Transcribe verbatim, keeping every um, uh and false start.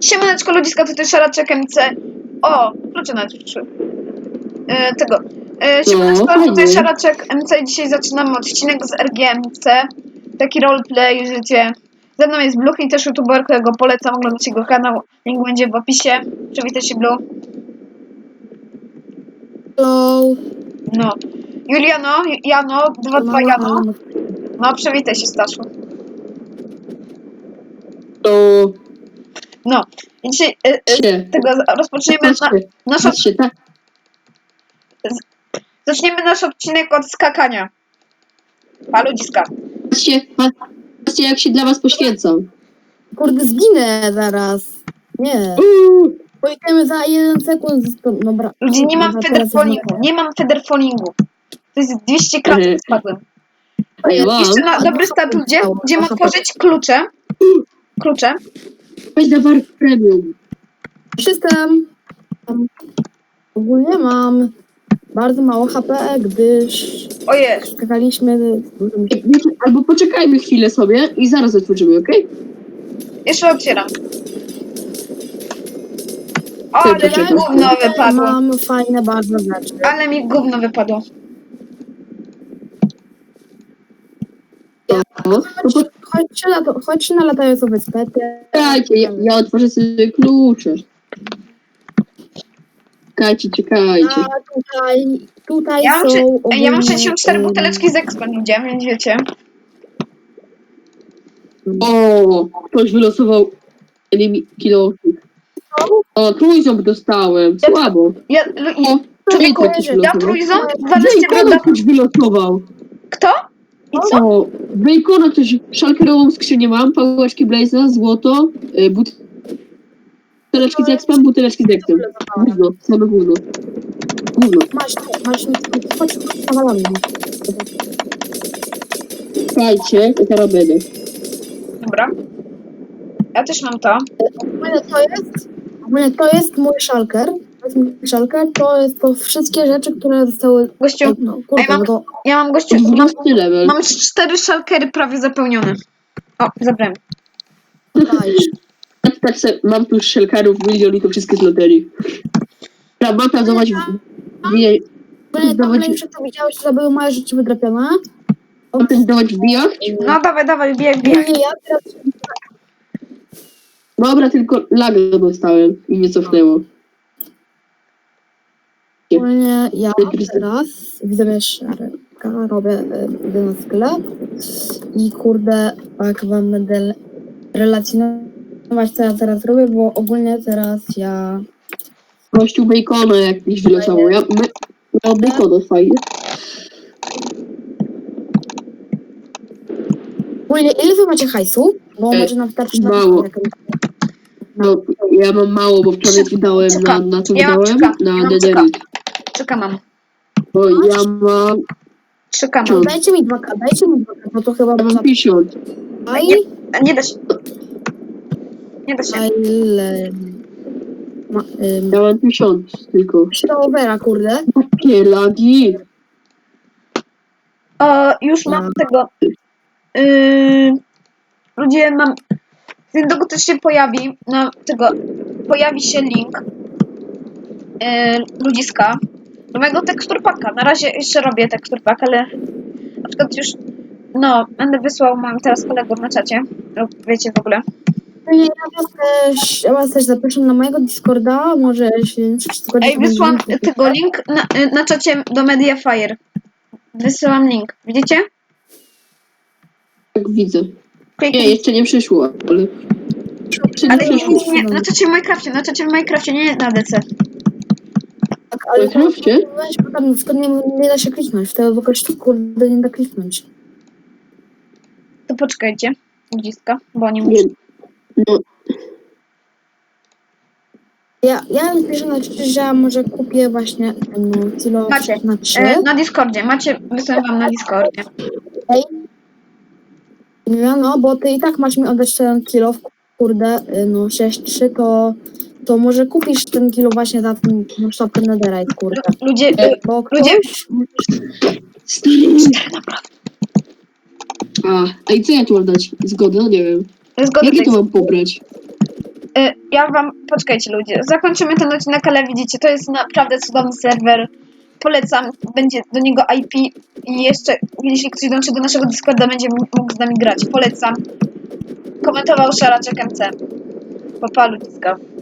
Siemaneczko ludziska, tutaj Szaraczek M C. O, klucze nawet przyszły. E, tego. E, Siemaneczko, No, tutaj fajnie. Szaraczek M C i dzisiaj zaczynamy odcinek z R G M C. Taki roleplay, życie. Ze mną jest Blue i też youtuber, którego polecam oglądać jego kanał. Link będzie w opisie. Przywitaj się, Blue. Hello. No. Juliano, Jano, dwa dwa Jano. No, przywitaj się, Staszu. To No. I dzisiaj e, e, się. tego rozpoczniemy na, nasz, Patrzcie, tak. zaczniemy nasz odcinek od skakania. Pa, ludziska. Patrzcie, patrzcie jak się dla was poświęcam. Kurde, zginę zaraz. Nie. Uuu, Pojedziemy za jeden sekund. Dobra. Ludzie, nie mam Dobra, teraz federfolingu, już nie mam federfolingu. To jest dwieście kratek Mhm. spadłem. a ja mam. Jeszcze na A dobry to stat ludzie, stało, gdzie mam to tworzyć klucze. Klucze. Weź na War Premium. System. Ogólnie mam bardzo mało H P, gdyż Ojej, skakaliśmy dużym... Wiecie, albo poczekajmy chwilę sobie i zaraz otworzymy, okej? jeszcze otwieram. O, Ty, ale mi poczekaj. gówno wypadło. Mam fajne bardzo rzeczy. Ale mi gówno wypadło. No, to Chodźcie na, to, chodźcie na latającą wyspę. poczekajcie, ja, ja otworzę sobie klucze. Czekajcie, czekajcie. A tutaj, tutaj Ja mam, są szy- Ej, ja mam ogólnie, sześćdziesiąt cztery ym, buteleczki z Expo ludzie, więc wiecie. O, ktoś wylosował kilo. O, trójząb dostałem, słabo. Ja, lu- i- O, człowieku, człowiek jakiś ja wylosował. trójząb, dwanaście Bacona broda. ktoś wylosował. Kto? I co? O, Bacona ktoś, szalkerową skrzynię mam, pałeczki Blaze'a, złoto, y, buteleczki z Expem, buteleczki z Expem. Gówno, same gówno. Gówno. Masz, masz, chodź, nawalamy. Słuchajcie, to teraz będę. Dobra. Ja też mam to. Ogólnie to jest, ogólnie to jest mój szalker. To jest mój szalker, to jest to wszystkie rzeczy, które zostały... Gościu, No, kurde, Ej, mam- no to... ja mam gościu, mam, dwunasty level. mam cztery szalkery prawie zapełnione. O, zabrałem. Daj. Tak, tak se, mam tu szelkarów milion i to wszystkie z loterii. Dobra, mam pracować w... Nie, Ogólnie to Dawać- ogólnie już jak to widziałeś, to były moje rzeczy wydrapione. mam też dawać w bijach? No dawaj, dawaj, bieg, bieg. Ogólnie ja teraz... Dobra, tylko laga dostałem i mnie cofnęło. Ogólnie ja teraz widzę szarka, robię y, idę na sklep i kurde, jak wam będę relacjonować, co ja teraz robię, bo ogólnie teraz ja... Gościu Bacona jakiś wylosował. Ja, my, ja Bacona fajnie. Ogólnie ile wy macie hajsu? Bo E, może nam wystarczy na mało. jakąś- No, ja mam mało, bo wczoraj wydałem na, Czekam. na co Ja mam wydałem? czekam. Ja Na mam Dederit. Czeka mam. Bo ja mam... Czeka mam. Co? Dajcie mi dwa K, dajcie mi dwa K, bo to chyba Ja można... mam pięćdziesiąt. Aj, Nie, nie da się. Nie da się. aj, ile... Ma, ym, Ja mam pięćdziesiąt tylko. Silvera, kurde. Takie lagi. O, już mam tego. Yy, ludzie, mam. Niedługo też się pojawi. No, tego. Pojawi się link. Yy, ludziska. Do mojego teksturpaka. Na razie jeszcze robię teksturpak, ale na przykład już. No, będę wysłał moim teraz kolegom na czacie. Lub wiecie w ogóle. Ja was też, ja was też zapraszam na mojego Discorda, może się wszystko... Ej, wysłałam tego link na, y, na czacie do Mediafire. Wysyłam link. Widzicie? Tak widzę. Nie, Kliknij. jeszcze nie przyszło, ale... Jeszcze nie Ale nie, przyszło. nie, nie, na czacie w Minecrafcie, na czacie w Minecrafcie, nie na D C. Tak, ale Minecrafcie? weź, bo tam skąd nie, nie da się kliknąć, wtedy w ogóle kurde nie da kliknąć. To poczekajcie, ludziska, bo oni Nie, muszą. no, Ja, ja piszę na czacie, że ja może kupię właśnie no, kilo Macie. na trzy. E, na Discordzie, macie, wysłałem wam na Discordzie. No, no, bo ty i tak masz mi oddać ten kilo, kurde, y, no sześć trzy, to, to może kupisz ten kilo właśnie za ten no, sztabkę netherite, kurde. Lu- Ludzie, e, Bo ludzie, ktoś... stary. cztery naprawdę. A, a i co ja tu mam dać? Zgodę? No nie wiem. Zgodę Jakie to tekst. mam pobrać? Y, ja wam, poczekajcie ludzie, zakończymy ten odcinek, ale widzicie, to jest naprawdę cudowny serwer. Polecam, będzie do niego I P i jeszcze, jeśli ktoś dołączy do naszego Discorda, będzie mógł z nami grać. Polecam. Komentował Szaraczek M C. Papa ludziska.